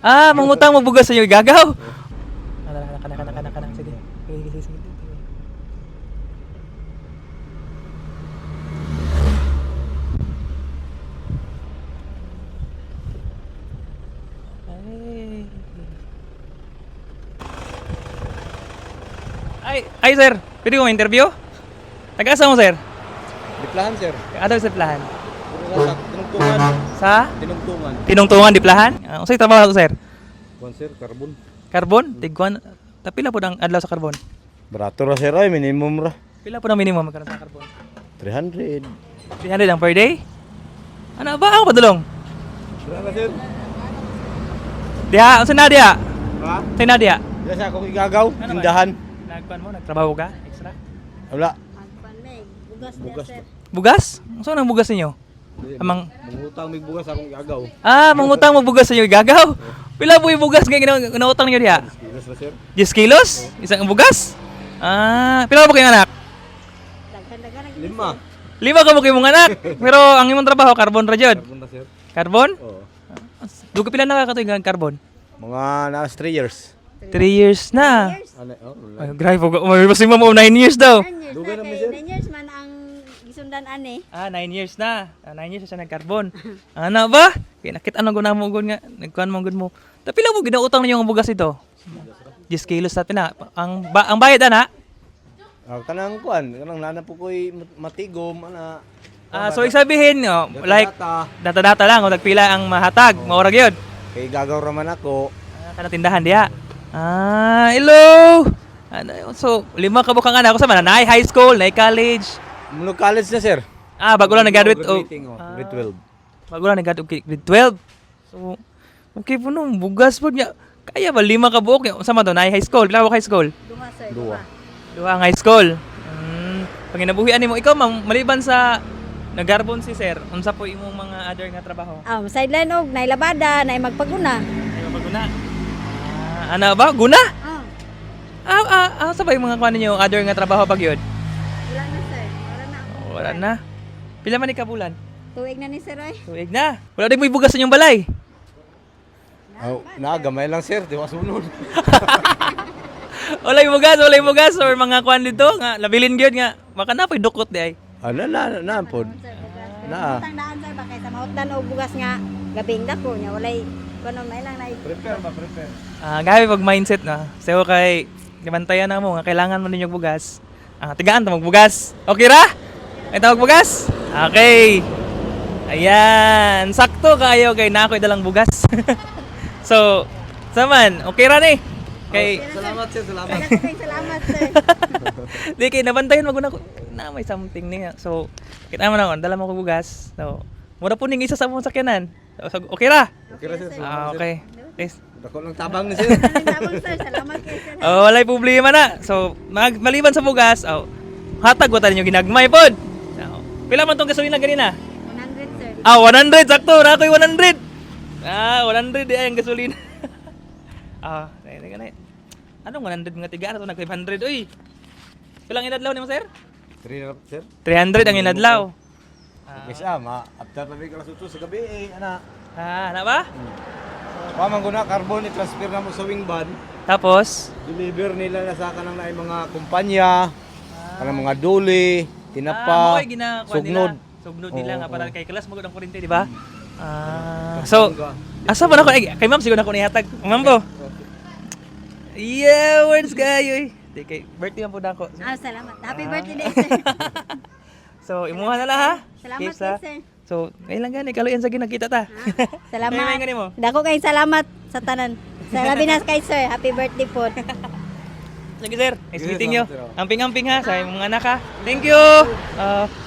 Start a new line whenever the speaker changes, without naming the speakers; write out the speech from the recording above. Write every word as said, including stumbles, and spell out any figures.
Ah, mangutang mo bugas sa inyo gagaw. Kana kana kana kana kana sige. Sige sige sige. Ay, ay sir, pwede ko ma-interview? Taga-asa mo sir?
Diplahan, sir.
Ano sa plahan?
Puro sa tinungtungan.
Sa?
Tinungtungan.
Tinungtungan di plahan? Uh, unsay trabaho sir?
Kuan, sir, carbon.
Carbon? Tigwan? Tapila po ang adlaw sa carbon?
Barato ra, sir, ay minimum ra.
Pila po ang minimum magkaroon sa carbon?
three hundred.
three hundred ang per day? Ano ba ako padulong?
Wala, sir.
Diha, unsa na diha?
Ha?
Say na diha.
Diya sa akong igagaw,
Ano ba?
tindahan.
Nagkuan mo, nagtrabaho ka? Extra?
Wala.
Magpanay, bugas
Bugas
bugas sir.
Bugas? Saan ang bugas ninyo? Amang
Mangutang may bugas akong igagaw.
Ah, mangutang mo bugas sa inyo gagaw. Pila po yung bugas nga gina- ginautang niyo diha?
Kilos ra, sir.
ten kilos? Isang bugas? Ah, pila po kayong anak?
Daghan-daghan ang
Lima.
Lima ka mo kayong mga anak. Pero ang imong trabaho carbon ra jud.
Carbon ra, sir.
Carbon?
Oo.
Dugo pila nakakatuig ang carbon?
Mga nas three years.
three years na.
years.
Ano, oh, wala.
Ay, grabe po. May mas mo nine years daw.
nine years
Dugan
na
naman,
kay
sir.
nine years man ang gisundan ani.
Ah, nine years na. Ah, nine years na siya nag-carbon. Ano ba? Kaya nakita na guna mo gud nga. Nagkuhan mo gud mo. Tapi lang mo ginautang ninyo ang bugas ito. ten kilos sa pina. Ang ba ang bayad ana?
Ah, kanang kuan, kanang nana po ko'y matigom, ana.
Ah, so ibig sabihin, oh, like
Data.
data-data lang o nagpila ang mahatag, maura gyud.
Kay gagaw raman ako.
Ah, kana tindahan diha. Ah, hello. Ano, so lima ka bukang anak ko sa mananay high school, nay college.
Munog college na, sir.
Ah, bago lang nag-graduate o
Graduating, oh.
Ah.
Grade twelve.
bago lang nag-graduate okay, grade twelve. So okay po nung bugas po niya. Kaya ba lima ka buok? Sa man to, nay high school, pila ka buok high school?
Duha sir,
Duha.
duha.
Duha ang high school. Hmm, pag inabuhian nimo ikaw ma'am, maliban sa nagarbon si sir, unsa po imong mga other nga trabaho?
Ah, sideline og nay labada, nay magpaguna.
Ay mapaguna. Ah, ano ba? Guna?
Ah,
Ah, ah, ah, sa ba yung mga kuan ninyo other nga trabaho pag yun?
wala na sir. Wala na.
Oh, wala na. Pila man ikabulan?
Tuig na ni sir ay.
Tuig na. Wala din mo ibugas sa inyong balay.
Oh, na gamay lang, sir, di masunod.
Wala ibugas, wala ibugas or mga kuan dito nga labilin gyud nga. Baka na pay dukot di ay.
Ano na na pod.
Sir, bugas.
Na.
Utang daan sir bakay sa mahutdan og bugas nga gabing dako nya walay kuno may lang nay.
Prepare ba, prepare.
Ah, gabi pag mindset na. So kay gibantayan na mo nga kailangan mo ninyong bugas. Ah, tigaan ta magbugas. Okay ra? Ay tawag bugas? Okay. Ayan, sakto kayo kay na ako'y dalang bugas. So, saman, okay ra ni. Kay
Salamat, sir, salamat.
Daghang kay salamat sir.
di kay nabantayan maguna ko na may something niya. So, kita man ako, dala mo ko bugas. So, mura po ning isa sa mong sakyanan. So, okay ra?
Okay ra, sir.
Ah, okay. Yes.
Dako lang tabang ni sir.
Salamat sir, salamat kay sir.
Oh, walay problema na. So, mag maliban sa bugas, oh, hatag ko tayo ginagmay pod. So, pila man tong gasolina ganina?
one hundred sir.
Ah, one hundred sakto, na ako'y one hundred. Ah, one hundred di ay ang gasolina. Ah, nay nay nay. Anong one hundred nga tiga na to nag five hundred oy. Pilang inadlaw nimo sir?
Three na, sir.
three hundred ang inadlaw.
Yes, ah, ma after na may kalas utso sa gabi eh, ana.
Ah, na ba?
Wa man guna carbon i-transfer na mo sa wing van.
Tapos,
Deliver nila na sa kanang naay mga kumpanya, kanang mga duli,
ah,
tinapa,
mo ay ginakuha
sugnod.
nila. Sugnod nila
Oo,
nga para
oo.
kay class magud ang kurente, di ba? Ah, so asa ba na ko ay, kay ma'am siguro na ko nihatag. Ma'am po. Yeah, words kayo. Di kay birthday man po na ako.
Ah, salamat. Happy birthday sir.
So, imuha na lang ha.
Salamat
Keeps,
kay
ha?
sir.
So, ngayon lang gani kaluyan sa ginakita ta.
Salamat.
May- may ganun mo?
Dako kay salamat sa tanan. Salamat na kay sir. Happy birthday po.
Sige sir, nice
Yes,
meeting you.
salamat, sir.
Amping-amping ha sa imong anak ha. Thank you. Ah,